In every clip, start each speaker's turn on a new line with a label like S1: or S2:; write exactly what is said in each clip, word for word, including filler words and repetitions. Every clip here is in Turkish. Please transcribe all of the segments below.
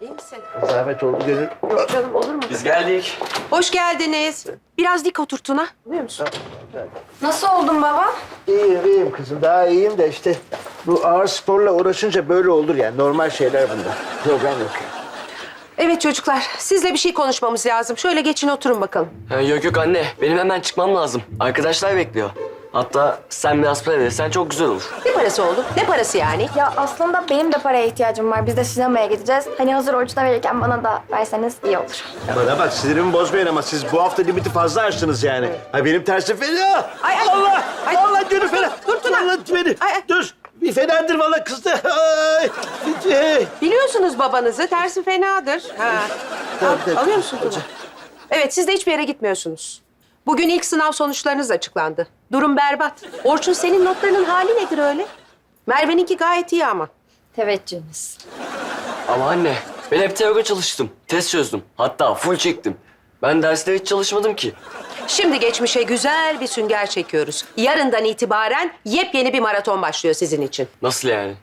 S1: İyi misin?
S2: Zahmet oldu gönül.
S1: Yok canım, olur mu?
S3: Biz geldik.
S1: Hoş geldiniz. Biraz dik otur Tuna. Biliyor musun?
S4: Nasıl oldun baba?
S2: İyiyim, iyiyim kızım. Daha iyiyim de işte bu ağır sporla uğraşınca böyle olur yani. Normal şeyler bunlar. Problem yok.
S1: Evet çocuklar, sizle bir şey konuşmamız lazım. Şöyle geçin oturun bakalım.
S3: Ha, yok yok anne, benim hemen çıkmam lazım. Arkadaşlar bekliyor. Hatta sen biraz para verirsen çok güzel olur.
S1: Ne parası oğlum? Ne parası yani?
S4: Ya aslında benim de paraya ihtiyacım var. Biz de sinemaya gideceğiz. Hani hazır Orçun'a verirken bana da verseniz iyi olur.
S2: Bana bak sinirimi bozmayın ama siz bu hafta limiti fazla aştınız yani. Ha benim tersim fena.
S1: Ay, ay.
S2: Allah!
S1: Ay.
S2: Allah gönül fena.
S1: Dur, Tuna.
S2: Allah beni.
S1: Ay, ay.
S2: Dur. Bir fenadır vallahi kızdı. Ay. Ay.
S1: Biliyorsunuz babanızı, tersi fenadır. Ha.
S2: Tamam,
S1: Al,
S2: tamam.
S1: alıyor musun Tuna? Evet, siz de hiçbir yere gitmiyorsunuz. Bugün ilk sınav sonuçlarınız açıklandı. Durum berbat. Orçun, senin notlarının hali nedir öyle? Merve'ninki gayet iyi ama.
S4: Teveccühünüz.
S3: Ama anne, ben hep teori çalıştım. Test çözdüm. Hatta full çektim. Ben derste hiç çalışmadım ki.
S1: Şimdi geçmişe güzel bir sünger çekiyoruz. Yarından itibaren yepyeni bir maraton başlıyor sizin için.
S3: Nasıl yani?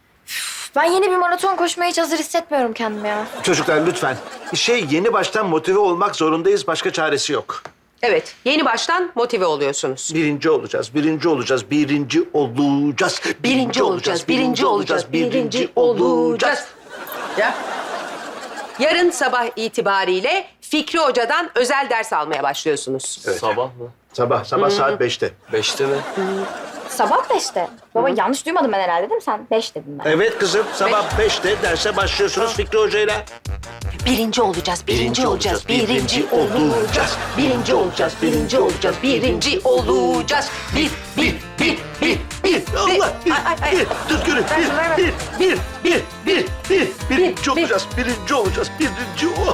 S4: Ben yeni bir maraton koşmaya hiç hazır hissetmiyorum kendimi ya.
S2: Çocuklar lütfen. Şey yeni baştan motive olmak zorundayız. Başka çaresi yok.
S1: Evet, yeni baştan motive oluyorsunuz.
S2: Birinci olacağız, birinci olacağız, birinci olacağız.
S1: Birinci olacağız, birinci olacağız, birinci olacağız. Ya. Yarın sabah itibariyle Fikri Hoca'dan özel ders almaya başlıyorsunuz.
S2: Evet.
S3: Sabah mı?
S2: Sabah, sabah saat beşte.
S3: Beşte mi?
S4: Sabah beşte. Baba yanlış duymadım ben herhalde değil mi sen? Beş dedin ben.
S2: Evet kızım, sabah beşte derse başlıyorsunuz Fikri Hoca'yla.
S1: Birinci olacağız, birinci olacağız, birinci olacağız. Birinci olacağız, birinci olacağız, birinci olacağız. Bir, bir, bir, bir, bir.
S2: Allah! Bir,
S1: Ay, ay, ay.
S2: bir, dur gönül, bir, bir, bir, bir, bir, bir, birinci
S1: bir.
S2: olacağız, birinci olacağız, birinci ol-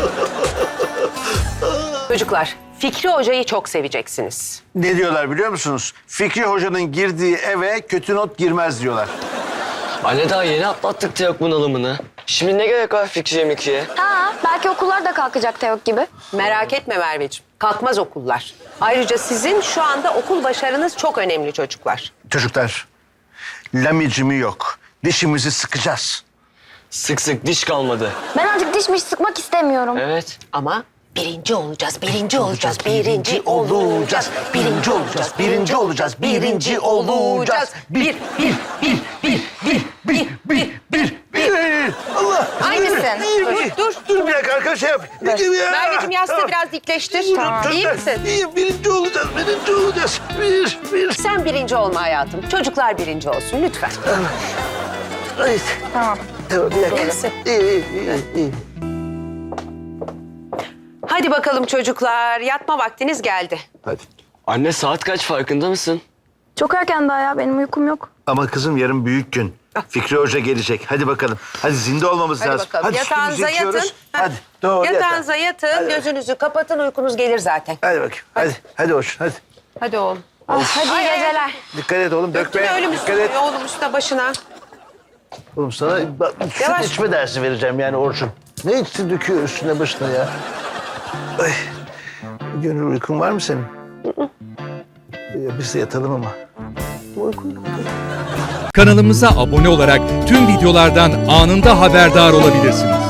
S1: Çocuklar, Fikri Hoca'yı çok seveceksiniz.
S2: Ne diyorlar biliyor musunuz? Fikri Hoca'nın girdiği eve kötü not girmez diyorlar.
S3: Anne daha yeni atlattık teok bunalımını. Şimdi ne gerek var Fikriye Mikriye?
S4: Ha, belki okullar da kalkacak Teok gibi.
S1: Merak etme Merveciğim, kalkmaz okullar. Ayrıca sizin şu anda okul başarınız çok önemli çocuklar.
S2: Çocuklar, lamicimi yok. Dişimizi sıkacağız.
S3: Sık sık diş kalmadı.
S4: Ben artık dişmiş sıkmak istemiyorum.
S3: Evet.
S1: Ama birinci olacağız, birinci olacağız, birinci olacağız, birinci olacağız, birinci olacağız, birinci olacağız. Bir, bir, bir, bir, bir, bir, bir, bir, bir.
S2: Allah!
S4: İyi misin?
S2: Dur, dur. Dur bir dakika arkadaş şey yap.
S1: Merveciğim yastığı
S2: Tamam.
S1: biraz dikleştir.
S2: Tamam.
S1: İyi misin?
S2: İyiyim, birinci olacağız, birinci olacağız. Bir, bir.
S1: Sen birinci olma hayatım. Çocuklar birinci olsun lütfen.
S2: Ay.
S4: Tamam.
S2: Tamam, bir dakika.
S1: İyi misin?
S2: İyi, iyi, iyi, iyi.
S1: Hadi bakalım çocuklar. Yatma vaktiniz geldi.
S2: Hadi.
S3: Anne saat kaç farkında mısın?
S4: Çok erken daha ya benim uykum yok.
S2: Ama kızım yarın büyük gün. Fikri Hoca gelecek. Hadi bakalım. Hadi zinde olmamız
S1: Hadi
S2: lazım.
S1: bakalım.
S2: Hadi
S1: Yatağınıza
S2: üstümüzü
S1: yatın.
S2: yıkıyoruz.
S1: Ha.
S2: Hadi doğru yatağa.
S1: Yatağınıza yatın,
S2: Hadi.
S1: gözünüzü kapatın, uykunuz gelir zaten.
S2: Hadi bakayım. Hadi. Hadi hoş. Hadi.
S1: Hadi oğlum.
S4: Hadi iyi geceler.
S2: Dikkat et oğlum.
S1: Döktün
S2: Dökme.
S1: ölüm
S2: Dikkat et.
S1: üstüne, oğlum üstüne başına.
S2: Oğlum sana bak, süt
S1: Yavaş.
S2: içme dersi vereceğim yani Orçun. Ne içsin döküyor üstüne başına ya. Ay. Gönül uykun var mı senin? Ya biz de yatalım ama.
S5: Kanalımıza abone olarak tüm videolardan anında haberdar olabilirsiniz.